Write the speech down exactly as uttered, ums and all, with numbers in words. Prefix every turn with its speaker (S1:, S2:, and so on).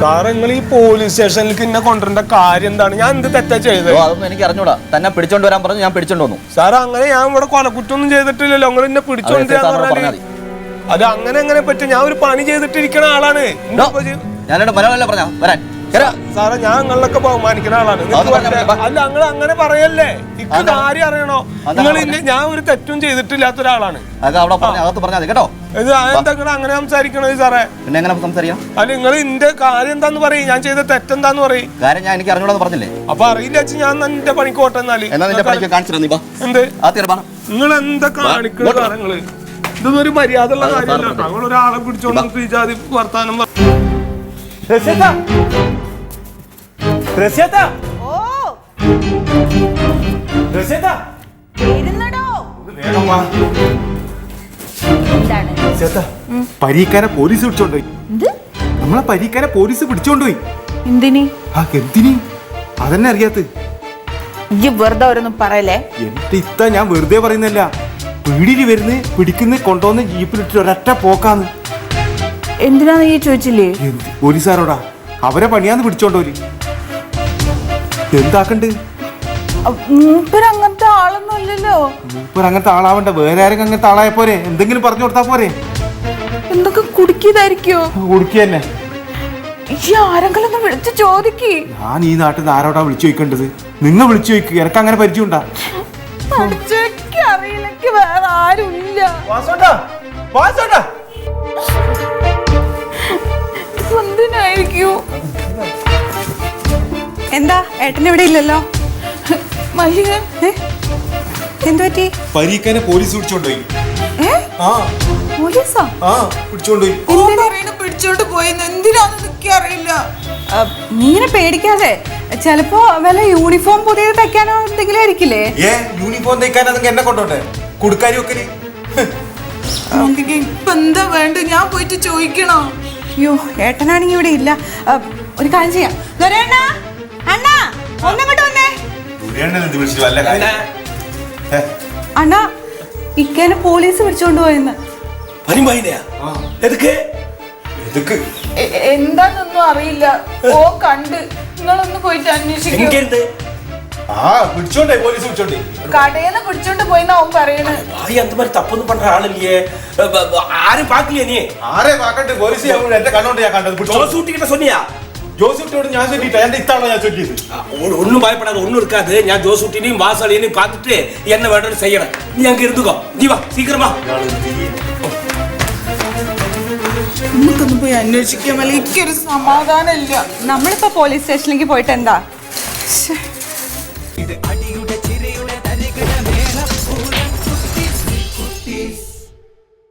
S1: സാറേ നിങ്ങൾ ഈ പോലീസ് സ്റ്റേഷനിലേക്ക് എന്നെ കൊണ്ടുവരേണ്ട കാര്യം എന്താണ്? ഞാൻ എന്ത് തെറ്റാ ചെയ്തത്?
S2: അതൊന്നും എനിക്ക് അറിഞ്ഞൂടാ. തന്നെ പിടിച്ചോണ്ട് വരാൻ പറഞ്ഞു, ഞാൻ പിടിച്ചോണ്ട് വന്നു.
S1: സാറേ അങ്ങനെ ഞാൻ ഇവിടെ കൊലക്കുറ്റൊന്നും ചെയ്തിട്ടില്ലല്ലോ. നിങ്ങൾ എന്നെ പിടിച്ചോണ്ട് അത് അങ്ങനെ എങ്ങനെ പറ്റും? ഞാൻ ഒരു പണി ചെയ്തിട്ടിരിക്കണ ആളാണ്.
S2: ഞാനോട് മലയാളം പറഞ്ഞ വരാൻ
S1: സാറേ ഞാൻ നിങ്ങളിലൊക്കെ ബഹുമാനിക്കുന്ന ആളാണ്. അല്ല നിങ്ങൾ അങ്ങനെ പറയല്ലേ, ഇക്ക് കാര്യം അറിയണോ? നിങ്ങൾ ഞാൻ ഒരു തെറ്റും ചെയ്തിട്ടില്ലാത്ത ഒരാളാണ്.
S2: കേട്ടോ
S1: ഇത് എന്താ അങ്ങനെ സംസാരിക്കണത് സാറേ?
S2: പിന്നെ എങ്ങനെ സംസാരിക്കാം?
S1: അല്ല നിങ്ങൾ ഇന്റെ കാര്യം എന്താന്ന് പറയും, ഞാൻ ചെയ്ത തെറ്റെന്താന്ന് പറയും.
S2: കാര്യം ഞാൻ എനിക്ക് അറിഞ്ഞൂടാന്ന് പറഞ്ഞില്ലേ?
S1: അപ്പൊ അറിയില്ല വെച്ച് ഞാൻ എന്റെ പണിക്ക് പോട്ടെ. എന്നാല് എന്ത് നിങ്ങൾ എന്താ കാണിക്കണ കാര്യങ്ങള്? ഇതൊന്നും ഒരു മര്യാദ ഉള്ള കാര്യമല്ല. ഞങ്ങൾ ഒരാളെ പിടിച്ചോണ്ട് ജാതി വർത്താനം
S3: പരീക്കാരെ പോലീസ് പിടിച്ചോണ്ടുപോയി. നമ്മളെ പരീക്കാരെ പോലീസ് പിടിച്ചോണ്ടുപോയി.
S4: എന്തിനി?
S3: ആ എന്തിനി? അതന്നെ അറിയാത്ത
S4: ഈ വെറുതെ ഓരോന്നും പറയല്ലേ.
S3: എന്റെ ഇത്ത ഞാൻ വെറുതെ പറയുന്നല്ല. പീടിയിൽ വരുന്ന് പിടിക്കുന്ന കൊണ്ടുവന്ന് ജീപ്പിലിട്ട് ഒരൊറ്റ പോക്കാന്ന്.
S4: എന്തിനാന്ന് ഈ ചോദിച്ചില്ലേ?
S3: പോലീസുകാരോടാ അവരെ പണിയാന്ന് പിടിച്ചോണ്ടോല്. എന്താക്കണ്ട്?
S4: മൂപ്പര് അങ്ങനത്തെ ആളൊന്നും അല്ലല്ലോ.
S3: മൂപ്പര് അങ്ങനത്തെ ആളാവണ്ട, വേറെ ആരെങ്കിലും അങ്ങനത്തെ ആളായ പോരെ? എന്തെങ്കിലും പറഞ്ഞു കൊടുത്താ പോരെ?
S4: എന്തൊക്കെ കുടുക്കിയതായിരിക്കോ?
S3: കുടുക്കി തന്നെ.
S4: ഈ ആരെങ്കിലും ഒന്ന് വിളിച്ച് ചോദിക്ക്.
S3: ഞാൻ ഈ നാട്ടിൽ നിന്ന് ആരോടാ വിളിച്ചു ചോദിക്കേണ്ടത്? നിങ്ങൾ വിളിച്ചു ചോദിക്കുക. എനക്ക് അങ്ങനെ പരിചയമുണ്ടാ?
S4: അറിയില്ലെങ്കിൽ വേറെ ആരും ഇല്ല. എന്തിനായിരിക്കൂ?
S5: എന്താ ഏട്ടൻ ഇവിടെ ഇല്ലല്ലോ? എന്തു പറ്റി?
S3: പരീക്കാനെ പോലീസ് പിടിച്ചോണ്ടുപോയി.
S4: പോലീസാ?
S3: ആ പിടിച്ചോണ്ടുപോയി.
S4: പിടിച്ചോണ്ട് പോയി. എന്തിനാന്ന് അറിയില്ല.
S5: നീനെ പേടിക്കാതെ, ചിലപ്പോ വല്ല യൂണിഫോം പുതിയത് തയ്ക്കാനോ എന്തെങ്കിലും ആയിരിക്കില്ലേ?
S3: ഏ യൂണിഫോം തയ്ക്കാൻ അതൊക്കെ എന്നെ കൊണ്ടോട്ടെ? കൊടുക്കാരി ഒക്കെ
S4: ഇപ്പൊ എന്താ വേണ്ട? ഞാൻ പോയിട്ട് ചോദിക്കണോ?
S5: അയ്യോ ഏട്ടനാണെങ്കി ഇവിടെ ഇല്ല. ഒരു കാര്യം ചെയ്യാം. അണ്ണാ ഒന്നങ്ങോട്ട് വന്നേ. അണ്ണാ ഇക്കേനെ പോലീസ് പിടിച്ചോണ്ട് പോയെന്ന്.
S4: എന്താന്നൊന്നും അറിയില്ല. ഓ കണ്ട് നിങ്ങളൊന്ന് പോയിട്ട് അന്വേഷിക്കും. കടയിന്ന് പിടിച്ചോണ്ട് പോയിന്നാ അവൻ പറയണേ.
S6: തപ്പൊന്നും പണ്ട ആളില്ലേ? ആരും പാക്കില്ലേ? നീ
S3: ആരെ പാക്കണ്ട്? പോലീസ് എന്റെ കണ്ണോണ്ട് ഞാൻ കണ്ടത്.
S6: சொன்னியா?
S3: ജോസൂട്ടിയോട് ഞാൻ ചൊല്ലിട്ടാ? എന്റെ ഇത്താണോ ഞാൻ ചൊല്ലിയത്?
S6: ഒന്നും ഭയപ്പെടാതെ, ഒന്നും എടുക്കാതെ ഞാൻ ജോസൂട്ടിനെയും വാസാളിനെയും பார்த்துட்டு என்ன வேணும்னு செய்யறேன். நீ அங்க இருந்துக்கோ. நீ வா சீக்கிரமா.
S4: നമുക്കൊന്ന് പോയി അന്വേഷിക്കാൻ വല്ല എനിക്കൊരു സമാധാനം ഇല്ല.
S5: നമ്മളിപ്പോ പോലീസ് സ്റ്റേഷനിലേക്ക് പോയിട്ട് എന്താ?
S7: ഇത് അടിയുടെ